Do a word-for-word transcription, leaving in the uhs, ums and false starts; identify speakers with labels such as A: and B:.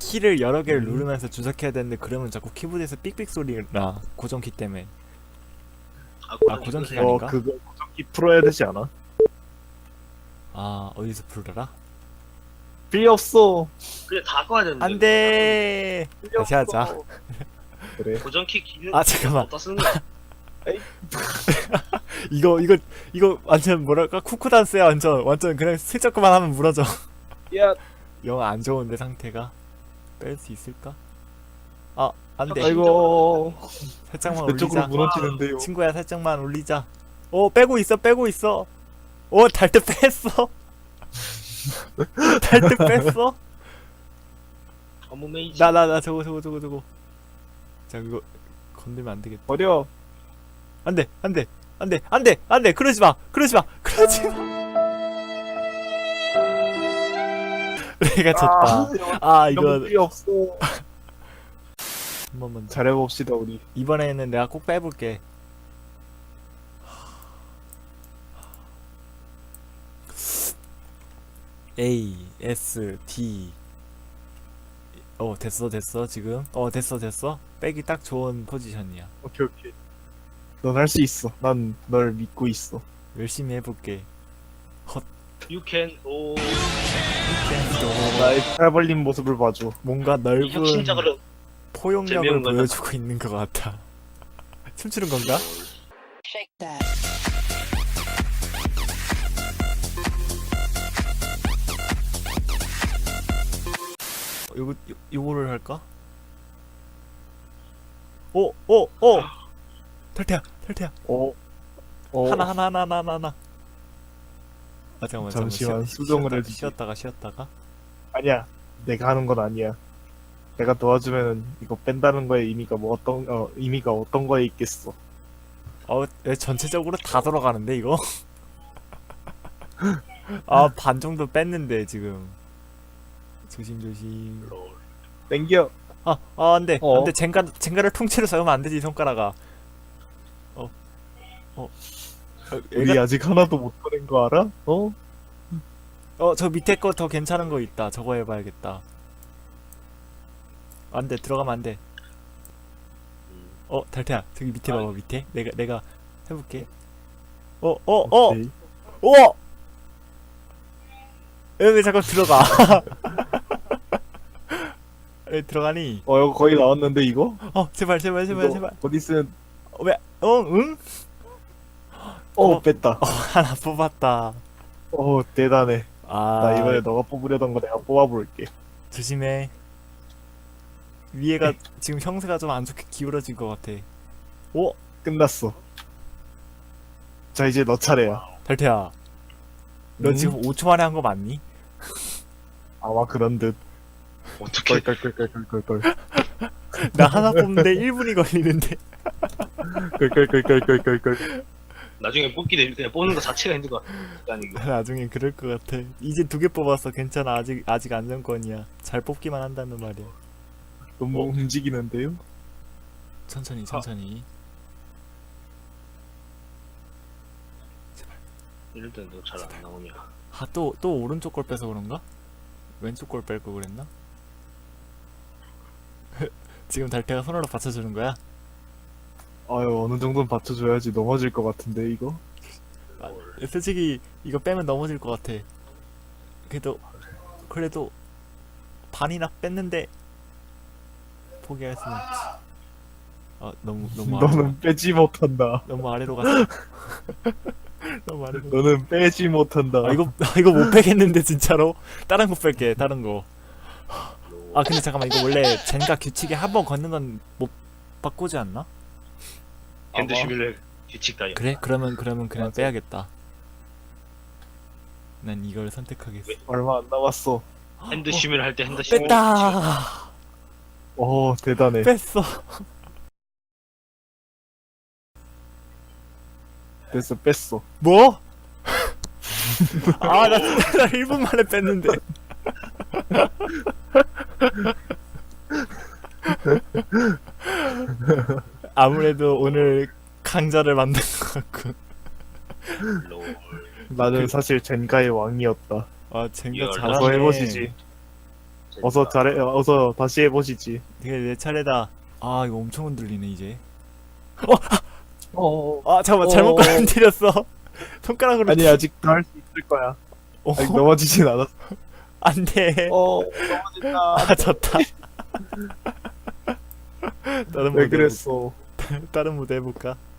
A: 키를 여러 개를
B: 음.
A: 누르면서 조작해야 되는데 그러면 자꾸 키보드에서 삑삑 소리가 고정키 때문에. 아, 고정키가
B: 어
A: 아닌가?
B: 그거 고정키 풀어야 되지 않아?
A: 아, 어디서 풀더라?
B: 필요 없어.
C: 그래 다 꺼야 되는데.
A: 안돼.
B: 필요
A: 다시 하자.
B: 없어. 그래.
C: 고정키 기능.
A: 아, 잠깐만.
C: 어디다 쓰는 거야?
A: 이거 이거 이거 완전 뭐랄까 쿠쿠 단스야. 완전 완전 그냥 슬쩍 그만 하면 무너져.
B: 야,
A: 영 안 좋은데 상태가. 뺄 수 있을까? 아, 안돼.
B: 아이고.
A: 살짝만
B: 그쪽으로
A: 올리자.
B: 무너지는데요.
A: 친구야, 살짝만 올리자. 오, 빼고 있어, 빼고 있어. 오, 달트 뺐어. 달트 뺐어.
C: 어머 메이지.
A: 나 나 나 저거 저거 저거 저거. 자, 이거 건들면 안 되겠다.
B: 버려.
A: 안돼, 안돼, 안돼, 안돼, 안돼. 그러지 마, 그러지 마, 그러지 마. 내가 졌다. 아, 이거
B: 이거 필요 없어.
A: 한 번만 더.
B: 잘해봅시다 우리.
A: 이번에는 내가 꼭 빼볼게. A, S, D. 어, 됐어, 됐어, 지금. 어, 됐어, 됐어. 빼기 딱 좋은 포지션이야.
B: 오케이 오케이. 넌 할 수 있어. 난 널 믿고 있어.
A: 열심히 해볼게.
C: You can. 오.
B: 나의 팔 벌린 모습을 봐줘.
A: 뭔가 넓은
C: 혁신적으로.
A: 포용력을
C: 재미없는 거다.
A: 보여주고 있는 것 같아. 춤추는 건가?
D: Shake that.
A: 어, 요거, 요, 요거를 할까? 오, 오, 오! 탈퇴야, 탈퇴야.
B: 어. 어.
A: 하나, 하나, 하나, 하나, 하나, 하나. 아, 잠깐만, 잠깐만.
B: 잠시만,
A: 쉬었-
B: 수정을
A: 쉬었다가,
B: 해주지.
A: 쉬었다가, 쉬었다가.
B: 아니야. 내가 하는 건 아니야. 내가 도와주면 이거 뺀다는 거에 의미가 뭐 어떤 어 의미가 어떤 거에 있겠어.
A: 어, 왜 전체적으로 다 돌아가는데, 이거? 아, 반 정도 뺐는데, 지금. 조심조심.
B: 땡겨.
A: 아, 아, 안 돼.
B: 어.
A: 안 돼. 젠가, 젠가를 통째로 세우면 안 되지, 손가락아. 어. 어. 어,
B: 우리
A: 얘가,
B: 아직 하나도 못 꺼낸 거 알아? 어?
A: 어, 저 밑에 거 더 괜찮은 거 있다. 저거 해봐야겠다. 안 돼. 들어가면 안 돼. 어, 달태야. 저기 밑에 봐봐, 밑에. 내가, 내가 해볼게. 어, 어, 어!
B: 오케이.
A: 어! 왜 자꾸 들어가? 왜 들어가니?
B: 어 이거 거의 나왔는데 이거?
A: 어, 제발, 제발, 제발,
B: 이거
A: 제발.
B: 어디 쓴?
A: 어, 왜, 어, 응?
B: 어,
A: 어.
B: 뺐다.
A: 하나 뽑았다.
B: 어 대단해.
A: 아,
B: 나 이번에 너가 뽑으려던 거 내가 뽑아볼게.
A: 조심해. 위에가 지금 형세가 좀 안 좋게 기울어진 것 같아. 오,
B: 끝났어. 자 이제 너 차례야.
A: 달태야. 너
B: 음?
A: 지금 오 초 만에 한 거 맞니?
B: 아마 그런 듯.
C: 어떻게?
B: 껄껄껄껄껄껄.
A: 나 하나 뽑는데 일 분이 걸리는데.
B: 껄껄껄껄껄껄.
C: 나중에 뽑기 되 그냥 뽑는 거 자체가 힘든 거 같아. 이거.
A: 나중에 그럴 것 같아. 이제 두 개 뽑았어. 괜찮아. 아직 아직 안정권이야. 잘 뽑기만 한다는 말이야.
B: 너무
A: 어?
B: 움직이는데요?
A: 천천히, 천천히.
C: 이럴 때는 너 잘 안 나오냐?
A: 아, 또, 또 오른쪽 걸 빼서 그런가? 왼쪽 걸 뺄 거 그랬나? 지금 달태가 손으로 받쳐주는 거야?
B: 아유 어느 정도는 받쳐줘야지. 넘어질 것 같은데 이거?
A: 아, 솔직히 이거 빼면 넘어질 것 같아. 그래도 그래도 반이나 뺐는데 포기할 수는 없지. 아, 너무 너무 아래로
B: 너는 빼지 못한다.
A: 너무 아래로 갔어. 너무 아래로.
B: 너는 빼지 못한다.
A: 아, 이거 아, 이거 못 빼겠는데 진짜로. 다른 거 뺄게. 다른 거. 아, 근데 잠깐만, 이거 원래 젠가 규칙에 한 번 걷는 건 못 바꾸지 않나?
C: 핸드
B: 아마.
C: 시뮬레 규칙 따위.
A: 그래? 그러면 그러면 그냥
B: 맞아.
A: 빼야겠다. 난 이걸 선택하겠어.
B: 얼마 안 남았어.
C: 핸드 시뮬 할 때 핸드 시뮬.
A: 뺐다.
B: 어 대단해.
A: 뺐어.
B: 됐어 뺐어.
A: 뭐? 아, 나 진짜 나 일 분 만에 뺐는데. 아무래도 오늘 강자를 만든 것 같고.
B: 어서 잘해 어서 다시 해보시지.
A: 되게 내 차례다. 아 이거 엄청 흔들리네 이제.
B: 어
A: 아 잠깐만
B: 어.
A: 잘못 건드렸어. 손가락으로.
B: 아니 아직도 할 수 있을 거야.
A: 어,
B: 아직 넘어지진 않았어.
A: 안돼.
B: 어 넘어진다.
A: 아 졌다. 다른
B: 왜
A: 무대
B: 그랬어?
A: 해볼- 다른 무대 해볼까?